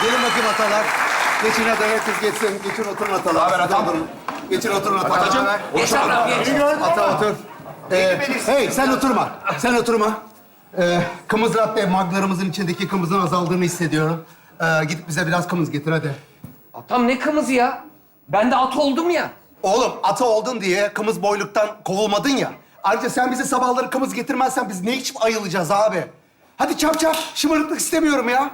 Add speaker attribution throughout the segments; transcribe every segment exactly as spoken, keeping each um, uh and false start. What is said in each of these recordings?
Speaker 1: Gelin bakayım atalar. Geçin hadi herkes geçsin. Geçin oturun atalar.
Speaker 2: Haber atam.
Speaker 1: Oturun. Geçin oturun atalar.
Speaker 2: Atacığım.
Speaker 3: Geç ablam geç.
Speaker 1: Ata otur. Ee, hey sen oturma. Sen oturma. Ee, kımız latte maglarımızın içindeki kımızın azaldığını hissediyorum. Ee, gidip bize biraz kımız getir hadi.
Speaker 3: Atam ne kımızı ya? Ben de at oldum ya.
Speaker 1: Oğlum ata oldun diye kımız boyluktan kovulmadın ya. Ayrıca sen bize sabahları kımız getirmezsen biz ne içip ayılacağız abi? Hadi çap çap. Şımarıklık istemiyorum ya.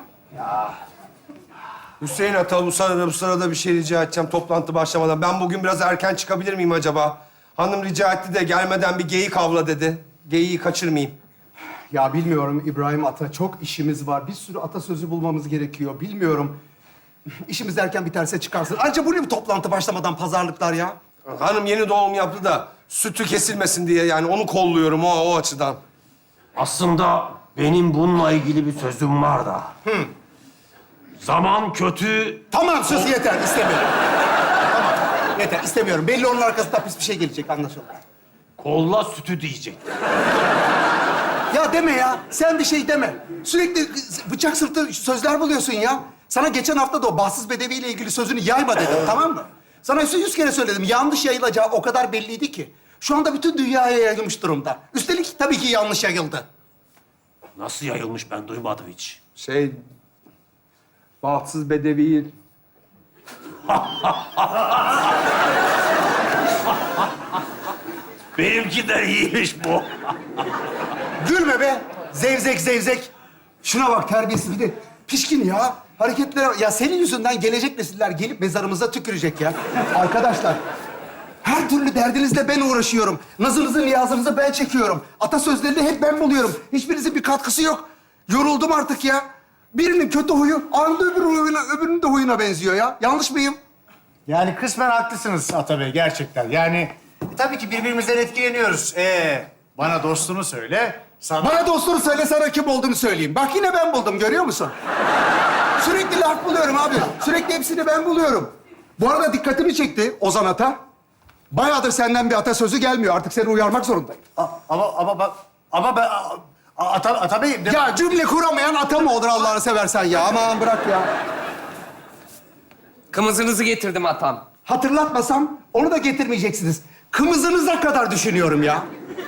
Speaker 2: Hüseyin Ata, bu sırada, bu sırada bir şey rica edeceğim toplantı başlamadan. Ben bugün biraz erken çıkabilir miyim acaba? Hanım rica etti de gelmeden bir geyik avla dedi. Geyiği kaçırmayayım.
Speaker 1: Ya bilmiyorum İbrahim Ata. Çok işimiz var. Bir sürü atasözü bulmamız gerekiyor. Bilmiyorum. İşimiz erken biterse çıkarsın. Ayrıca bu ne bu toplantı başlamadan pazarlıklar ya?
Speaker 2: Hanım yeni doğum yaptı da sütü kesilmesin diye yani onu kolluyorum o, o açıdan.
Speaker 4: Aslında benim bununla ilgili bir sözüm var da. Zaman kötü.
Speaker 1: Tamam sus yeter. İstemiyorum. Tamam. Yeter. İstemiyorum. Belli onun arkasında pis bir şey gelecek anlaşıldı.
Speaker 4: Kolla sütü diyecek.
Speaker 1: Ya deme ya. Sen bir şey deme. Sürekli bıçak sırtı sözler buluyorsun ya. Sana geçen hafta da o bahtsız bedeviyle ilgili sözünü yayma dedim, tamam mı? Sana yüz kere söyledim. Yanlış yayılacağı o kadar belliydi ki. Şu anda bütün dünyaya yayılmış durumda. Üstelik tabii ki yanlış yayıldı.
Speaker 4: Nasıl yayılmış ben duymadım hiç.
Speaker 2: Şey... Bahtsız bedevi...
Speaker 4: Benimkinden iyiymiş bu.
Speaker 1: Gülme be. Zevzek zevzek. Şuna bak terbiyesiz bir de pişkin ya. Hareketlere bak. Ya senin yüzünden gelecek nesiller gelip mezarımıza tükürecek ya. Arkadaşlar, her türlü derdinizle ben uğraşıyorum. Nazınızı, niyazınızı ben çekiyorum. Atasözlerini hep ben buluyorum. Hiçbirinizin bir katkısı yok. Yoruldum artık ya. Birinin kötü huyu, anında öbür huyuna, öbürünün de huyuna benziyor ya. Yanlış mıyım?
Speaker 5: Yani kısmen haklısınız Ata Bey gerçekten. Yani e, tabii ki birbirimizden etkileniyoruz. Ee, bana dostunu söyle, sana...
Speaker 1: Bana dostunu söyle, sana kim olduğunu söyleyeyim. Bak yine ben buldum, görüyor musun? Sürekli laf buluyorum abi. Sürekli hepsini ben buluyorum. Bu arada dikkatimi çekti Ozan Ata. Bayağıdır senden bir atasözü gelmiyor. Artık seni uyarmak zorundayım.
Speaker 5: A- ama ama bak ama ben a- a- Ata, Ata Bey... de-
Speaker 1: Ya cümle kuramayan ata mı olur Allah'ını seversen ya? Aman bırak ya.
Speaker 3: Kımızınızı getirdim atam.
Speaker 1: Hatırlatmasam onu da getirmeyeceksiniz. Kımızınıza kadar düşünüyorum ya.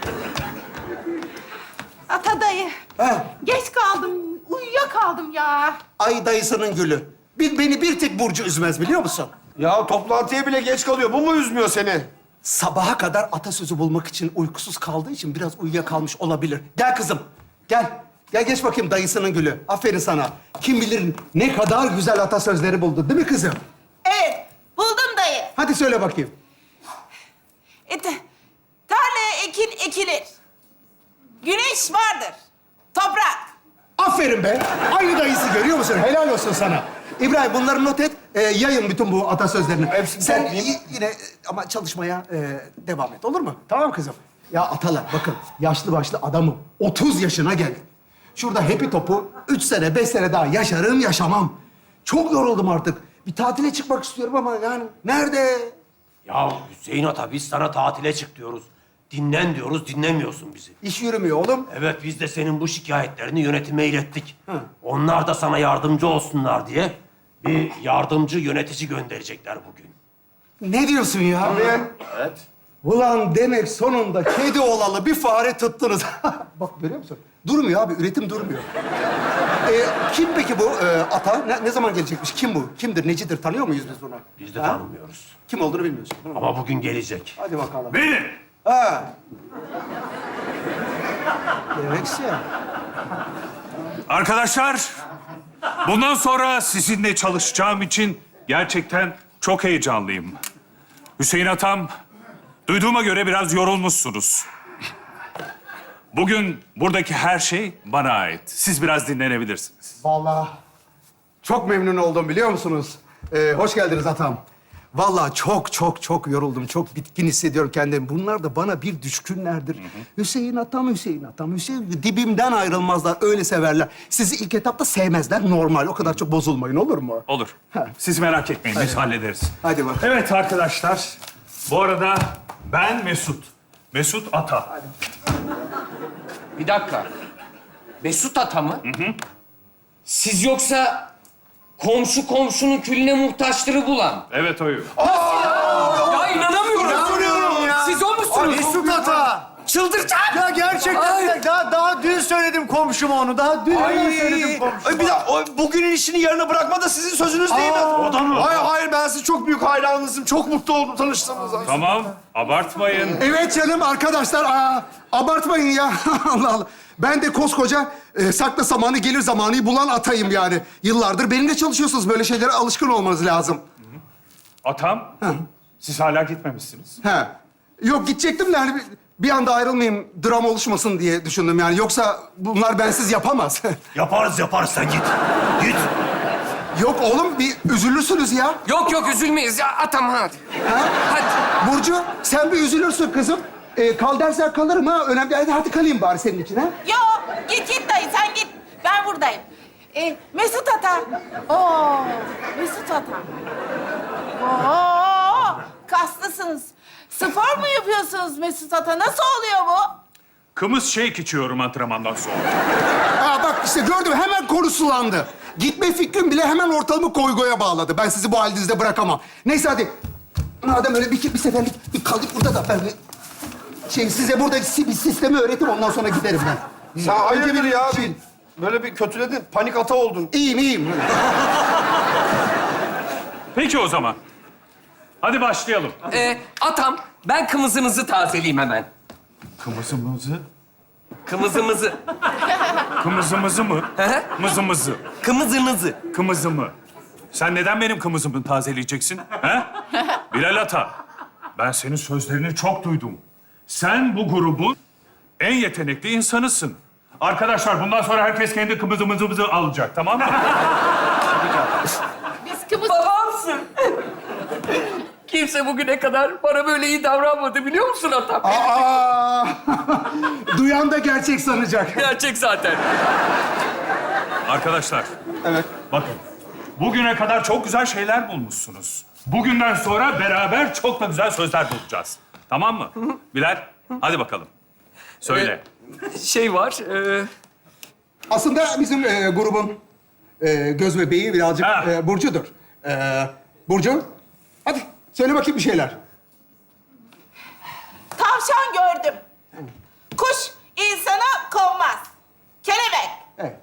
Speaker 6: Ata dayı.
Speaker 1: He.
Speaker 6: Geç kaldım. Uyuyakaldım ya.
Speaker 1: Ay dayısının gülü. Bir, beni bir tek Burcu üzmez biliyor musun?
Speaker 2: Ya toplantıya bile geç kalıyor. Bu mu üzmüyor seni?
Speaker 1: Sabaha kadar atasözü bulmak için uykusuz kaldığı için biraz uyuyakalmış olabilir. Gel kızım, gel. Gel geç bakayım dayısının gülü. Aferin sana. Kim bilir ne kadar güzel atasözleri buldu değil mi kızım?
Speaker 6: Evet. Buldum dayı.
Speaker 1: Hadi söyle bakayım.
Speaker 6: E, te- tarlaya ekin ekilir. Güneş vardır. Toprak.
Speaker 1: Aferin be. Aynı dayısı görüyor musun? Helal olsun sana. İbrahim bunları not et. Ee, yayın bütün bu atasözlerini.
Speaker 2: Hepsini
Speaker 1: Sen
Speaker 2: toplayayım.
Speaker 1: y- yine e, ama çalışmaya e, devam et olur mu? Tamam kızım? Ya atalar bakın yaşlı başlı adamım. otuz yaşına geldim. Şurada hepi topu üç sene, beş sene daha yaşarım yaşamam. Çok yoruldum artık. Bir tatile çıkmak istiyorum ama yani nerede?
Speaker 4: Ya Hüseyin Ata biz sana tatile çık diyoruz. Dinlen diyoruz, dinlemiyorsun bizi.
Speaker 1: İş yürümüyor oğlum.
Speaker 4: Evet biz de senin bu şikayetlerini yönetime ilettik. Onlar da sana yardımcı olsunlar diye bir yardımcı yönetici gönderecekler bugün.
Speaker 1: Ne diyorsun ya?
Speaker 2: Evet.
Speaker 1: Ulan demek sonunda kedi olalı bir fare tuttunuz. Bak görüyor musun? Durmuyor abi, üretim durmuyor. Ee, kim peki bu e, ata? Ne, ne zaman gelecekmiş? Kim bu? Kimdir, necidir? Tanıyor muyuz biz bunu?
Speaker 4: Biz de
Speaker 1: Ha?
Speaker 4: tanımıyoruz.
Speaker 1: Kim olduğunu bilmiyorsun. değil mi?
Speaker 4: Ama bugün gelecek.
Speaker 1: Hadi bakalım.
Speaker 4: Benim.
Speaker 1: Ha. Demekse.
Speaker 7: Arkadaşlar, bundan sonra sizinle çalışacağım için gerçekten çok heyecanlıyım. Hüseyin Atam, duyduğuma göre biraz yorulmuşsunuz. Bugün buradaki her şey bana ait. Siz biraz dinlenebilirsiniz.
Speaker 1: Vallahi çok memnun oldum biliyor musunuz? Ee, hoş geldiniz atam. Vallahi çok çok çok yoruldum. Çok bitkin hissediyorum kendimi. Bunlar da bana bir düşkünlerdir. Hüseyin atam, Hüseyin atam, Hüseyin dibimden ayrılmazlar. Öyle severler. Sizi ilk etapta sevmezler. Normal. O kadar çok bozulmayın olur mu?
Speaker 7: Olur.
Speaker 1: Ha.
Speaker 7: Siz merak etmeyin, biz hallederiz.
Speaker 1: Hadi bak.
Speaker 7: Evet arkadaşlar, bu arada ben Mesut. Mesut Ata.
Speaker 3: Bir dakika. Mesut ata mı? Hı hı. Siz yoksa Komşu komşunun külüne muhtaçları bulan.
Speaker 7: Evet oyum.
Speaker 3: Ya inanamıyorum.
Speaker 5: İnanmıyorum ya.
Speaker 3: Siz o musunuz?
Speaker 5: Mesut Ata.
Speaker 3: Çıldıracağım.
Speaker 5: Ya gerçekten
Speaker 3: Ay.
Speaker 5: daha daha dün söyledim komşuma onu. Daha dün hemen söyledim komşuma.
Speaker 2: Ay bir daha o, bugünün işini yarına bırakma da sizin sözünüz değil mi?
Speaker 5: O
Speaker 7: da mı?
Speaker 2: Hayır hayır ben sizin çok büyük hayranınızım. Çok mutlu oldum tanıştığımıza.
Speaker 7: Tamam, abartmayın.
Speaker 1: Evet canım arkadaşlar, aa, abartmayın ya. Allah Allah. Ben de koskoca e, sakla zamanı gelir zamanı bulan atayım yani. Yıllardır benimle çalışıyorsunuz. Böyle şeylere alışkın olmanız lazım.
Speaker 7: Atam, siz hala gitmemişsiniz.
Speaker 1: He. Yok gidecektim de hani bir, bir anda ayrılmayayım, dram oluşmasın diye düşündüm yani. Yoksa bunlar bensiz yapamaz.
Speaker 4: Yaparız yaparız sen git. Git.
Speaker 1: Yok oğlum bir üzülürsünüz ya.
Speaker 3: Yok yok üzülmeyiz ya. Atam hadi.
Speaker 1: Ha?
Speaker 3: Hadi.
Speaker 1: Burcu sen bir üzülürsün kızım. Ee, kal dersen kalırım ha. Önemli. Hadi, hadi kalayım bari senin için ha.
Speaker 6: Yo, git git dayı, sen git. Ben buradayım. Ee, Mesut Ata. Oo, Mesut Ata. Oo, kaslısınız. Spor mu yapıyorsunuz Mesut Ata? Nasıl oluyor bu?
Speaker 7: Kımız shake içiyorum antrenmandan sonra.
Speaker 1: Aa bak işte gördüm hemen konu sulandı. Gitme fikrim bile hemen ortalımı koygoya bağladı. Ben sizi bu halinizde bırakamam. Neyse hadi. Madem öyle bir, bir seferlik bir kalıp burada da ben bir şey size burada bir sistemi öğretim ondan sonra giderim ben.
Speaker 2: Sen hayırdır ya?
Speaker 1: Şey-
Speaker 2: Bir, böyle bir kötüledin. Panik ata oldun.
Speaker 1: İyiyim iyiyim.
Speaker 7: Peki o zaman. Hadi başlayalım.
Speaker 3: Ee, atam, ben kımızınızı tazeleyeyim hemen.
Speaker 7: Kımızımızı?
Speaker 3: Kımızımızı.
Speaker 7: Kımızımızı mı?
Speaker 3: Hı hı.
Speaker 7: Mızımızı.
Speaker 3: Kımızınızı.
Speaker 7: Kımızımı. Sen neden benim kımızımı tazeleyeceksin? He? Bilal Ata, ben senin sözlerini çok duydum. Sen bu grubun en yetenekli insanısın. Arkadaşlar bundan sonra herkes kendi kımızımızı alacak, tamam mı?
Speaker 6: Biz kımız...
Speaker 3: Babamsın. Kimse bugüne kadar bana böyle iyi davranmadı biliyor musun atam?
Speaker 1: Aa, duyan da gerçek sanacak.
Speaker 3: Gerçek zaten.
Speaker 7: Arkadaşlar,
Speaker 1: Evet.
Speaker 7: bakın. Bugüne kadar çok güzel şeyler bulmuşsunuz. Bugünden sonra beraber çok da güzel sözler bulacağız. Tamam mı? Bilal, hadi bakalım. Söyle.
Speaker 3: Şey var, e,
Speaker 1: Aslında bizim e, grubun e, göz bebeği birazcık
Speaker 7: Ha.
Speaker 1: e, Burcu'dur. E, Burcu, hadi söyle bakayım bir şeyler.
Speaker 6: Tavşan gördüm. Kuş insana konmaz. Kelebek.
Speaker 1: Evet.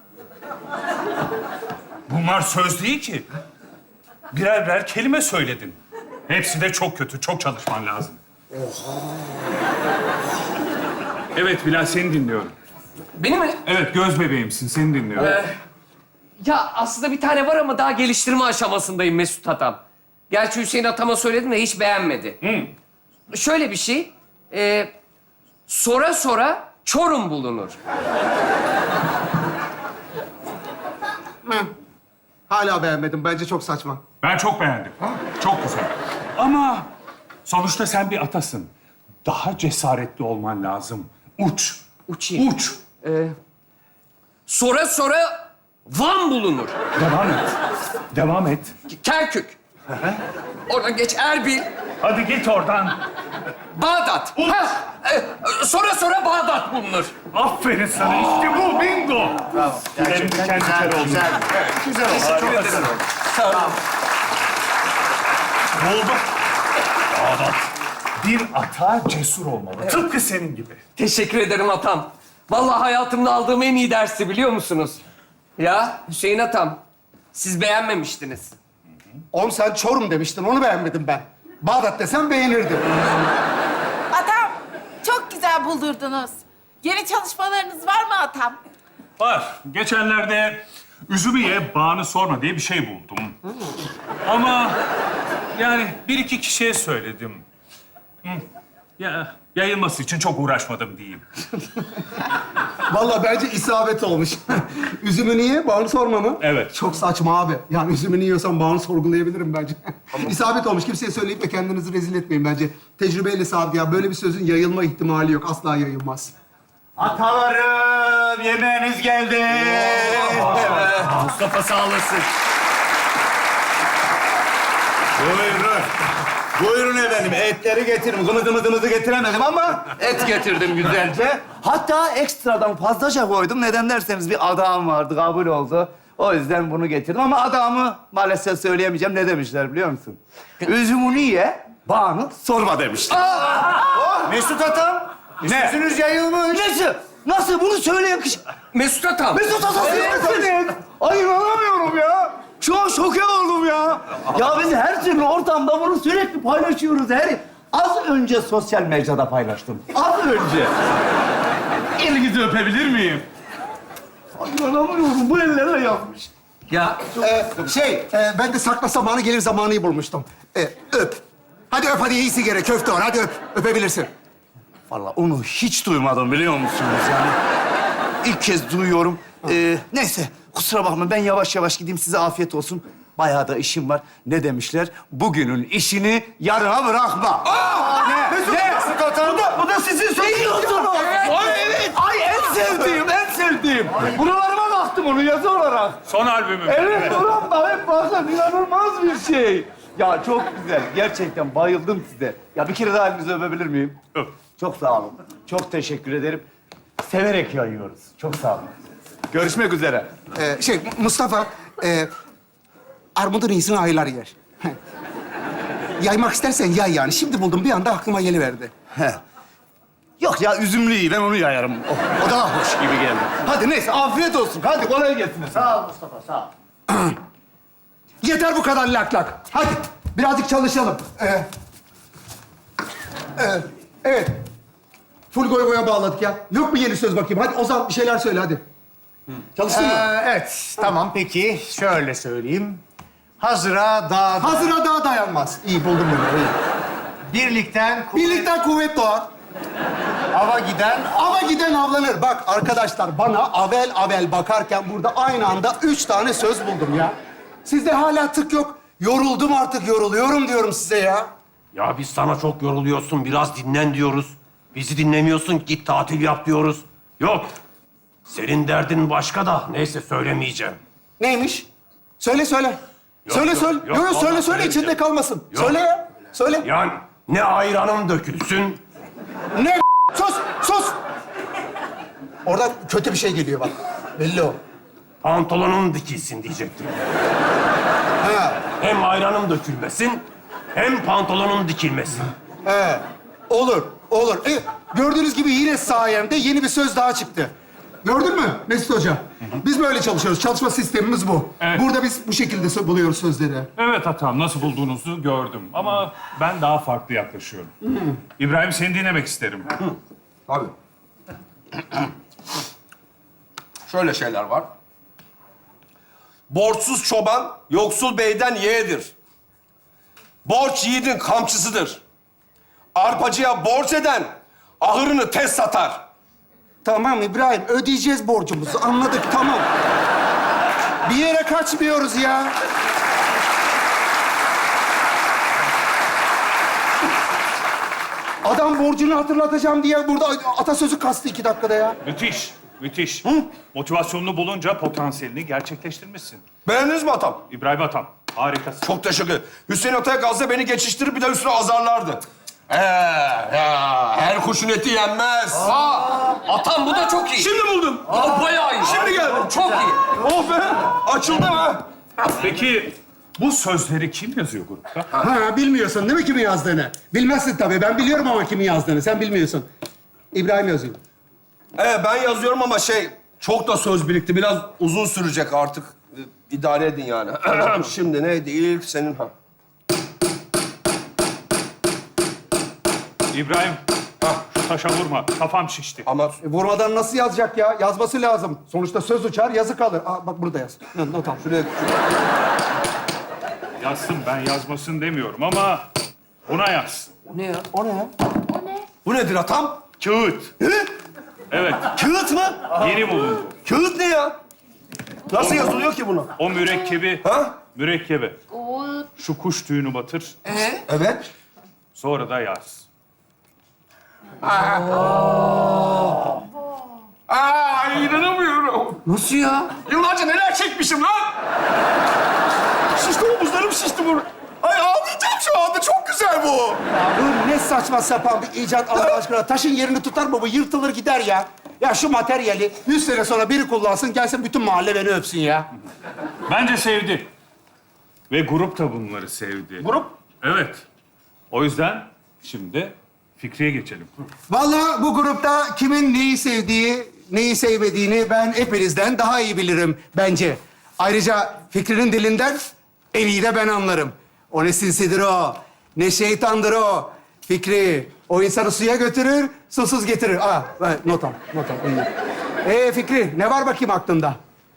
Speaker 7: Bunlar söz değil ki. Birer birer kelime söyledin. Hepsi de çok kötü, çok çalışman lazım. Evet Bilal, seni dinliyorum.
Speaker 3: benim mi?
Speaker 7: Evet, göz bebeğimsin, seni dinliyorum.
Speaker 3: Ee, ya aslında bir tane var ama daha geliştirme aşamasındayım Mesut atam. Gerçi Hüseyin atama söyledim de hiç beğenmedi. Şöyle bir şey, e, sora sora Çorum bulunur.
Speaker 1: Hala beğenmedim. Bence çok saçma.
Speaker 7: Ben çok beğendim. Çok güzel. Ama sonuçta sen bir atasın. Daha cesaretli olman lazım. Uç.
Speaker 3: Uçayım.
Speaker 7: Uç.
Speaker 3: Sora sora Van bulunur.
Speaker 7: Devam et. Devam et.
Speaker 3: Kerkük. Oradan geç Erbil,
Speaker 7: Hadi git oradan.
Speaker 3: Bağdat. Ha, e, sonra sonra Bağdat bulunur.
Speaker 7: Aferin sana. İşte bu. Bingo.
Speaker 5: Bravo.
Speaker 7: Tüylerim diken diken oldu.
Speaker 5: Güzel. Güzel oldu. Çok güzel oldu.
Speaker 3: Sağ olun.
Speaker 7: Ne oldu? Bağdat. Bir ata cesur olmalı. Tıpkı senin gibi.
Speaker 3: Teşekkür ederim atam. Vallahi hayatımda aldığım en iyi dersi biliyor musunuz? Ya Hüseyin atam, siz beğenmemiştiniz.
Speaker 1: Oğlum sen Çorum demiştin. Onu beğenmedim ben. Bağdat desem beğenirdim.
Speaker 6: Atam, çok güzel buldurdunuz. Yeni çalışmalarınız var mı atam?
Speaker 7: Var. Geçenlerde üzümü ye, bağını sorma diye bir şey buldum. Ama yani bir iki kişiye söyledim. Hı. Ya yayılması için çok uğraşmadım diyeyim.
Speaker 1: Vallahi bence isabet olmuş. Üzümü niye? Bağını sorma mı?
Speaker 7: Evet.
Speaker 1: Çok saçma abi. Yani üzümünü yiyorsan bağını sorgulayabilirim bence. İsabet olmuş. Kimseye söyleyip de kendinizi rezil etmeyin bence. Tecrübeyle sabit ya. Böyle bir sözün yayılma ihtimali yok. Asla yayılmaz.
Speaker 5: Atalarım yemeğiniz geldi.
Speaker 3: Mustafa sağ olasın.
Speaker 5: Buyurun. Buyurun efendim. Etleri getirin. Gımıdımıdımızı getiremedim ama
Speaker 3: Et getirdim güzelce.
Speaker 5: hatta ekstradan fazlaca koydum. Neden derseniz bir adam vardı, kabul oldu.
Speaker 8: O yüzden bunu getirdim ama adamı maalesef söyleyemeyeceğim. Ne demişler biliyor musun? Üzümünü ye, bağını sorma demişler.
Speaker 5: Mesut Atam,
Speaker 8: Ne?
Speaker 5: üstünüz yayılmış.
Speaker 8: Nasıl? Nasıl? Bunu söyleyen kişi...
Speaker 3: Mesut Atam.
Speaker 8: Mesut Atası'nın Ay inanamıyorum ya. Şu an şoke oldum ya. Ya biz her türlü ortamda bunu sürekli paylaşıyoruz. Her Az önce sosyal mecrada paylaştım. Az önce. Elinizi öpebilir miyim? Ay inanamıyorum. Bu ellerle yapmış.
Speaker 3: Ya
Speaker 1: Ee, şey, e, ben de sakla zamanı gelir zamanıyı bulmuştum. Ee, öp. Hadi öp, hadi iyi sigara, köfte var. Hadi öp, öpebilirsin.
Speaker 8: Vallahi onu hiç duymadım biliyor musunuz yani? İlk kez duyuyorum. Ee, neyse kusura bakma ben yavaş yavaş gideyim size afiyet olsun. Bayağı da işim var. Ne demişler? Bugünün işini yarına bırakma. Ne? Ne? Bu da, bu da sizin söylüyorsunuz. Ay evet. Ay en sevdiğim, en sevdiğim. Buralarıma baktım onu yazı olarak.
Speaker 7: Son albümüm.
Speaker 8: Evet, ulan bak hep bakın inanılmaz bir şey. Ya çok güzel. Gerçekten bayıldım size. Ya bir kere daha elinizi öpebilir miyim?
Speaker 7: Öp.
Speaker 8: Çok sağ olun. Çok teşekkür ederim. Severek yayıyoruz. Çok sağ olun. Görüşmek üzere.
Speaker 1: Ee, şey, Mustafa, e, armudun iyisini ayılar yer. Yaymak istersen yay yani. Şimdi buldum, bir anda aklıma geliverdi.
Speaker 8: He. Yok ya üzümlü iyi. Ben onu yayarım. O, o daha hoş gibi geldi. Hadi neyse afiyet olsun. Hadi kolay gelsin.
Speaker 5: Sağ ol Mustafa, sağ ol.
Speaker 1: Yeter bu kadar lak lak. Hadi birazcık çalışalım. Ee, e, evet. Full goy goya bağladık ya. Yok mu yeni söz bakayım? Hadi Ozan bir şeyler söyle hadi. Çalıştın mı?
Speaker 5: Ee, evet, tamam peki. Şöyle söyleyeyim. Hazıra dağ...
Speaker 1: Hazıra daha dayanmaz. İyi buldum bunu. İyi.
Speaker 5: Birlikten ku-
Speaker 1: Birlikten kuvvet doğar.
Speaker 5: ava giden...
Speaker 1: Ama giden avlanır. Bak arkadaşlar bana avel avel bakarken burada aynı anda üç tane söz buldum ya. Sizde hala tık yok. Yoruldum artık, yoruluyorum diyorum size ya.
Speaker 4: Ya biz sana çok yoruluyorsun, biraz dinlen diyoruz. Bizi dinlemiyorsun, git tatil yap diyoruz. Yok, senin derdin başka da. Neyse söylemeyeceğim.
Speaker 1: Neymiş? Söyle söyle.
Speaker 4: Yok,
Speaker 1: söyle
Speaker 4: yok,
Speaker 1: söyle.
Speaker 4: yok,
Speaker 1: Yok yok
Speaker 4: vallahi
Speaker 1: söyle söyle
Speaker 4: söylemeyeceğim.
Speaker 1: içinde kalmasın.
Speaker 4: Yok.
Speaker 1: Söyle ya. Söyle.
Speaker 4: Yani ne ayranın dökülsün,
Speaker 1: Ne sus sus. Orada kötü bir şey geliyor bak. Belli o.
Speaker 4: pantolonun dikilsin diyecektim.
Speaker 1: Ha.
Speaker 4: Hem ayranın dökülmesin, hem pantolonun dikilmesin.
Speaker 1: He. Olur. Olur. E, gördüğünüz gibi yine sayemde yeni bir söz daha çıktı. Gördün mü Mesut Hoca? Biz böyle çalışıyoruz. Çalışma sistemimiz bu.
Speaker 7: Evet.
Speaker 1: Burada biz bu şekilde sö- buluyoruz sözleri.
Speaker 7: Evet Atam, nasıl bulduğunuzu gördüm. Ama ben daha farklı yaklaşıyorum. İbrahim, seni dinlemek isterim.
Speaker 2: Tabii. Şöyle şeyler var. Borçsuz çoban, yoksul beyden yeğedir. Borç yiğidin kamçısıdır. Arpacıya borç eden, ahırını tez satar.
Speaker 1: Tamam İbrahim, ödeyeceğiz borcumuzu. Anladık, tamam. Bir yere kaçmıyoruz ya. Adam borcunu hatırlatacağım diye burada atasözü kastı iki dakikada ya.
Speaker 7: Müthiş, müthiş. Motivasyonunu bulunca potansiyelini gerçekleştirmişsin.
Speaker 2: Beğendiniz mi atam?
Speaker 7: İbrahim Atam, harikasın.
Speaker 2: Çok teşekkür ederim. Hüseyin Atay gazda beni geçiştirip bir de üstüne azarlardı. Ee, ya, her kuşun eti yenmez.
Speaker 3: Atam bu da çok iyi.
Speaker 2: Şimdi buldum.
Speaker 3: Aa, bayağı iyi.
Speaker 2: Şimdi geldi.
Speaker 3: Çok iyi.
Speaker 2: Oh be, açıldı ha.
Speaker 7: Peki bu sözleri kim yazıyor grupta?
Speaker 1: Ha, bilmiyorsun değil mi kimin yazdığını? Bilmezsin tabii. Ben biliyorum ama kimin yazdığını. Sen bilmiyorsun. İbrahim yazıyor.
Speaker 2: Ee, ben yazıyorum ama şey, çok da söz birikti. Biraz uzun sürecek artık. Ee, İdare edin yani. Şimdi neydi? İlk senin ha.
Speaker 7: İbrahim, şu taşa vurma. Kafam şişti.
Speaker 2: Ama
Speaker 1: E, vurmadan nasıl yazacak ya? Yazması lazım. Sonuçta söz uçar, yazı kalır. Aa, bak burada yaz. Not, not al.
Speaker 2: şuraya...
Speaker 7: Yazsın, ben yazmasın demiyorum ama buna yazsın.
Speaker 3: O ne ya?
Speaker 1: O ne ya?
Speaker 2: Bu nedir atam?
Speaker 7: Kağıt. Evet,
Speaker 2: Kağıt mı?
Speaker 7: yeni bulundu.
Speaker 2: Kağıt ne ya? Nasıl yazılıyor ki bunu?
Speaker 7: O mürekkebi,
Speaker 2: Ha?
Speaker 7: mürekkebi. Şu kuş tüyünü batır,
Speaker 2: Evet.
Speaker 7: sonra da yaz.
Speaker 2: Aa, inanamıyorum.
Speaker 3: Nasıl ya?
Speaker 2: Yıllarca neler çekmişim lan? Şişti omuzlarım şişti bunu. Ay ağlayacağım şu anda. Çok güzel bu.
Speaker 1: Ya bu ne saçma sapan bir icat Allah aşkına. Taşın yerini tutar mı bu? Yırtılır gider ya. Ya şu materyali yüz sene sonra biri kullansın, gelsin bütün mahalle beni öpsün ya.
Speaker 7: Bence sevdi. Ve grup da bunları sevdi.
Speaker 1: Grup?
Speaker 7: Evet. O yüzden şimdi Fikri'ye geçelim.
Speaker 1: Vallahi bu grupta kimin neyi sevdiği, neyi sevmediğini ben hepinizden daha iyi bilirim bence. Ayrıca Fikri'nin dilinden en iyi de ben anlarım. O ne sinsidir o, ne şeytandır o. Fikri, o insanı suya götürür, susuz getirir. Aa, not al, not al. iyi. Ee Fikri, ne var bakayım aklında?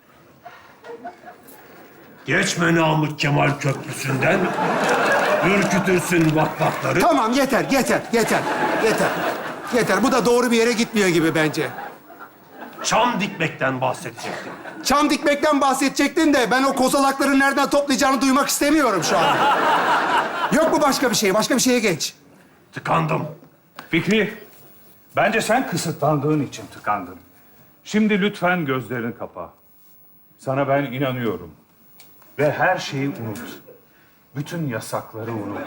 Speaker 4: Geçme Namık Kemal Köprüsü'nden. Ürkütürsün vakvakları.
Speaker 1: Tamam, yeter, yeter, yeter, yeter. Yeter, bu da doğru bir yere gitmiyor gibi bence.
Speaker 4: Çam dikmekten bahsedecektim.
Speaker 1: Çam dikmekten bahsedecektin de ben o kozalakları nereden toplayacağını duymak istemiyorum şu an. Yok mu başka bir şey? Başka bir şeye geç.
Speaker 4: Tıkandım.
Speaker 7: Fikri, bence sen kısıtlandığın için tıkandın. Şimdi lütfen gözlerini kapa. Sana ben inanıyorum. Ve her şeyi unut. Bütün yasakları unut.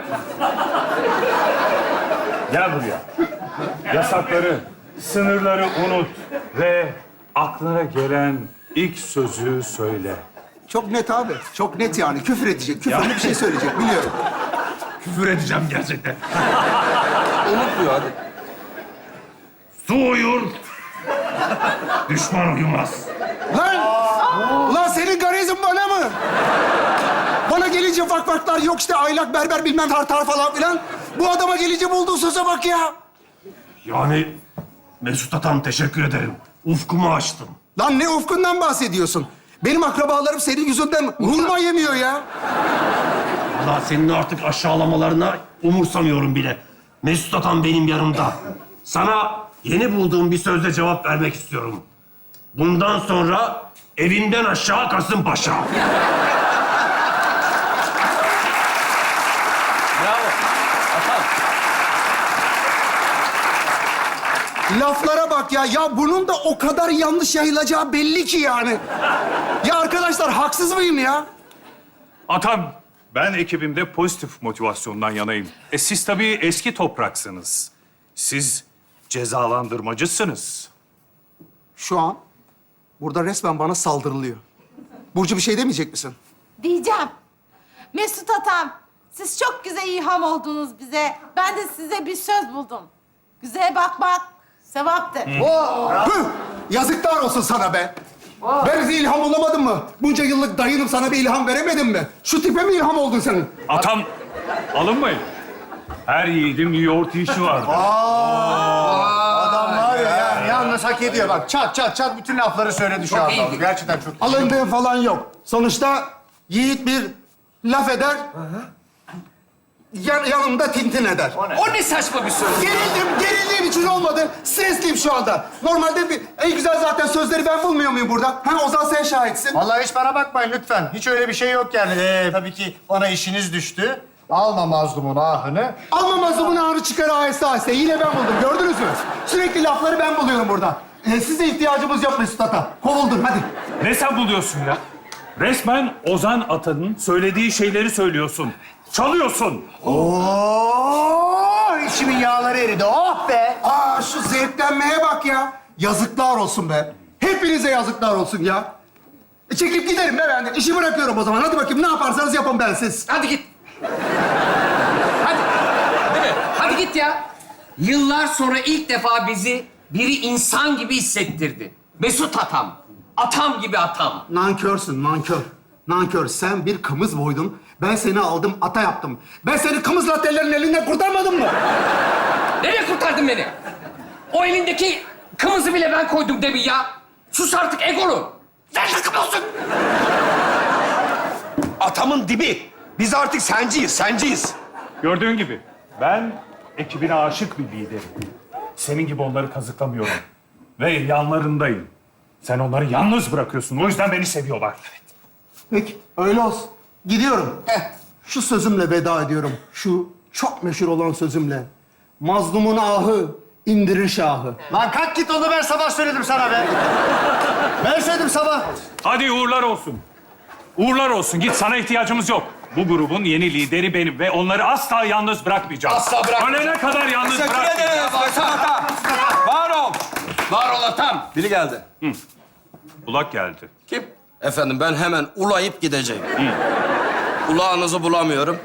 Speaker 7: Gel buraya. Yasakları, sınırları unut. Ve aklına gelen ilk sözü söyle.
Speaker 1: Çok net abi. Çok net yani. Küfür edecek. Küfürlü bir şey söyleyecek. Biliyorum.
Speaker 4: Küfür edeceğim gerçekten.
Speaker 2: Unutmuyor hadi.
Speaker 4: Su uyur. Düşman uyumaz.
Speaker 1: Lan! Ulan senin garizm bana mı? Bana gelince vakvaklar yok işte aylak berber bilmem tartar falan filan. Bu adama gelince bulduğu söze bak ya.
Speaker 4: Yani Mesut Atam teşekkür ederim. Ufkumu açtın.
Speaker 1: Lan ne ufkundan bahsediyorsun? Benim akrabalarım senin yüzünden hurma yemiyor ya.
Speaker 4: Allah senin artık aşağılamalarına umursamıyorum bile. Mesut Atam benim yanımda. Sana yeni bulduğum bir sözle cevap vermek istiyorum. Bundan sonra evinden aşağı Kasımpaşa.
Speaker 3: Bravo. Atam.
Speaker 1: Laflara bak ya. Ya bunun da o kadar yanlış yayılacağı belli ki yani. Ya arkadaşlar haksız mıyım ya?
Speaker 7: Atam, ben ekibimde pozitif motivasyondan yanayım. E siz tabii eski topraksınız. Siz cezalandırmacısınız.
Speaker 1: Şu an burada resmen bana saldırılıyor. Burcu bir şey demeyecek misin?
Speaker 6: Diyeceğim. Mesut Atam, siz çok güzel ilham oldunuz bize. Ben de size bir söz buldum. Güzeye bakmak sevaptır.
Speaker 1: Hıh! Yazıklar olsun sana be. Ben bize ilham olamadım mı? Bunca yıllık dayınım sana bir ilham veremedim mi? Şu tipe mi ilham oldun senin?
Speaker 7: Atam, alınmayın. Her yiğidin bir yoğurt işi vardır.
Speaker 5: Adam var ya, yani yalnız hak ediyor. Bak çat çat çat bütün lafları söyledi şu anda.
Speaker 3: iyiydi.
Speaker 5: Gerçekten çok iyi.
Speaker 1: Alındığı falan yok. Sonuçta yiğit bir laf eder. Yan, yanımda tintin eder.
Speaker 3: O ne saçma bir söz.
Speaker 1: Gerildim, gerildiğim için olmadı. Stresliyim şu anda. Normalde bir, en güzel zaten sözleri ben bulmuyor muyum burada? Ha Ozan sen şahitsin.
Speaker 5: Vallahi hiç bana bakmayın lütfen. Hiç öyle bir şey yok yani. Ee, tabii ki bana işiniz düştü. Alma mazlumun ahını.
Speaker 1: Alma mazlumun ağrı çıkar aheste aheste. Yine ben buldum. Gördünüz mü? Sürekli lafları ben buluyorum burada. Ee, size ihtiyacımız yok Mesut Ata. Kovuldun hadi.
Speaker 7: Ne sen buluyorsun ya? Resmen Ozan Atan'ın söylediği şeyleri söylüyorsun. Çalıyorsun.
Speaker 5: Oo, içimin yağları eridi. Oh be!
Speaker 1: Aa şu zevklenmeye bak ya. Yazıklar olsun be. Hepinize yazıklar olsun ya. E, çekip giderim be ben de. İşi bırakıyorum o zaman. Hadi bakayım ne yaparsanız yapın ben siz.
Speaker 3: Hadi git. Hadi. Değil mi? Hadi git ya. Yıllar sonra ilk defa bizi biri insan gibi hissettirdi. Mesut Atam. Atam gibi atam.
Speaker 1: Nankörsün, nankör. Nankör. Sen bir kımız boydun. Ben seni aldım, ata yaptım. Ben seni kımız latelerin elinden kurtarmadım mı?
Speaker 3: Nereye kurtardın beni? O elindeki kımızı bile ben koydum demin ya. Sus artık egolu. Ver takım olsun.
Speaker 2: Atamın dibi. Biz artık senciyiz, senciyiz.
Speaker 7: Gördüğün gibi ben ekibine aşık bir liderim. Senin gibi onları kazıklamıyorum. Ve yanlarındayım. Sen onları yalnız bırakıyorsun. O yüzden beni seviyorlar.
Speaker 1: Peki, öyle olsun. Gidiyorum. Heh, şu sözümle veda ediyorum. Şu çok meşhur olan sözümle. Mazlumun ahı indirir şahı.
Speaker 5: Lan kalk git onu ben sabah söyledim sana be. Ben söyledim sabah.
Speaker 7: Hadi uğurlar olsun. Uğurlar olsun. Git, sana ihtiyacımız yok. Bu grubun yeni lideri benim ve onları asla yalnız bırakmayacağım.
Speaker 3: Asla bırakmayacağım.
Speaker 7: Ölene kadar yalnız
Speaker 2: Teşekkür
Speaker 7: bırakmayacağım.
Speaker 2: ederiz Mesut Ata. Var ol.
Speaker 3: Var ol atam.
Speaker 9: Biri geldi.
Speaker 7: Ulak geldi.
Speaker 3: Kim?
Speaker 9: Efendim ben hemen ulayıp gideceğim. Ulağınızı bulamıyorum.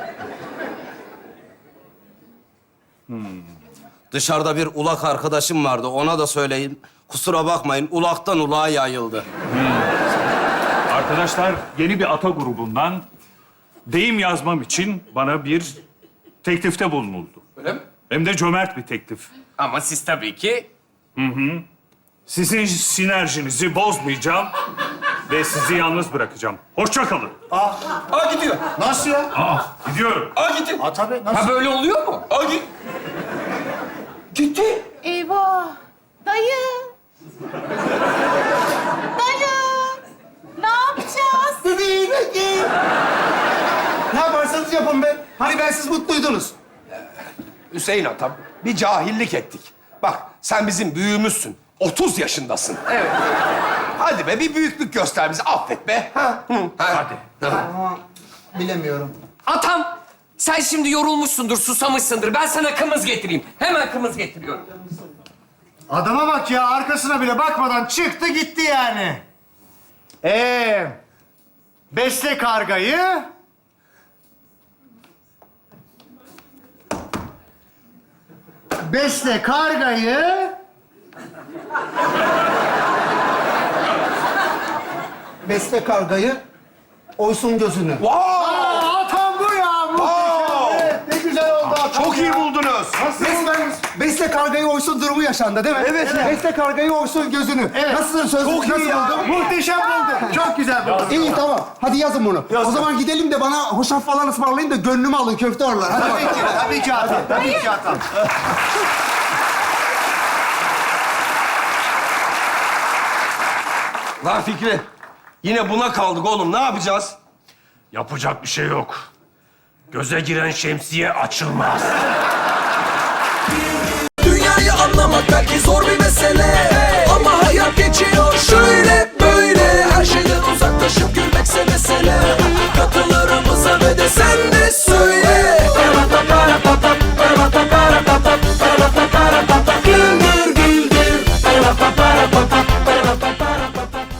Speaker 9: Dışarıda bir ulak arkadaşım vardı. Ona da söyleyin. Kusura bakmayın. Ulaktan ulağa yayıldı.
Speaker 7: Arkadaşlar yeni bir ata grubundan deyim yazmam için bana bir teklifte bulunuldu.
Speaker 3: Öyle mi?
Speaker 7: Hem de cömert bir teklif.
Speaker 3: Ama siz tabii ki
Speaker 7: Sizin sinerjinizi bozmayacağım ve sizi yalnız bırakacağım. Hoşça kalın.
Speaker 9: Aa gidiyor.
Speaker 5: Nasıl ya?
Speaker 7: Gidiyorum.
Speaker 9: Aa gitti.
Speaker 5: Aa tabii, nasıl?
Speaker 3: Ha böyle oluyor mu?
Speaker 9: Aa git. Gitti.
Speaker 6: Eyvah. Dayı. Dayı. Ne yapacağız?
Speaker 1: Bebeğim, bebeğim. Ne yaparsanız yapın be. Hani ben siz mutluydunuz.
Speaker 2: Hüseyin atam, bir cahillik ettik. Bak, sen bizim büyüğümüzsün. otuz yaşındasın.
Speaker 3: Evet.
Speaker 2: Hadi be, bir büyüklük göster bize. Affet be. Ha? Hı.
Speaker 7: Hadi.
Speaker 1: Ama bilemiyorum.
Speaker 3: Atam, sen şimdi yorulmuşsundur, susamışsındır. Ben sana kımız getireyim. Hemen kımız getiriyorum.
Speaker 5: Adama bak ya, arkasına bile bakmadan çıktı gitti yani. Ee, besle kargayı. Besle kargayı.
Speaker 1: Besle kargayı, oysun gözünü.
Speaker 5: Aa, tam bu ya. Muhteşem. Evet, ne güzel oldu atam
Speaker 2: Çok
Speaker 5: ya.
Speaker 2: iyi buldunuz.
Speaker 5: Nasıl
Speaker 1: Besle,
Speaker 5: buldunuz?
Speaker 1: besle kargayı oysun durumu yaşandı değil mi?
Speaker 5: Evet, evet.
Speaker 1: Besle kargayı oysun gözünü.
Speaker 5: Evet.
Speaker 1: Nasıl söz?
Speaker 5: Çok iyi
Speaker 1: nasıl
Speaker 5: ya.
Speaker 1: buldun?
Speaker 5: Muhteşem buldum. Çok güzel buldum.
Speaker 1: İyi tamam. Hadi yazın bunu. O zaman gidelim de bana hoşaf falan ısmarlayın da gönlümü alın köfte oralar. Hadi
Speaker 5: Tabii
Speaker 1: bakalım.
Speaker 5: ki, tabii ki atam. Tabii ki atam.
Speaker 2: Lan Fikri, yine buna kaldık oğlum. Ne yapacağız?
Speaker 4: Yapacak bir şey yok. Göze giren şemsiye açılmaz.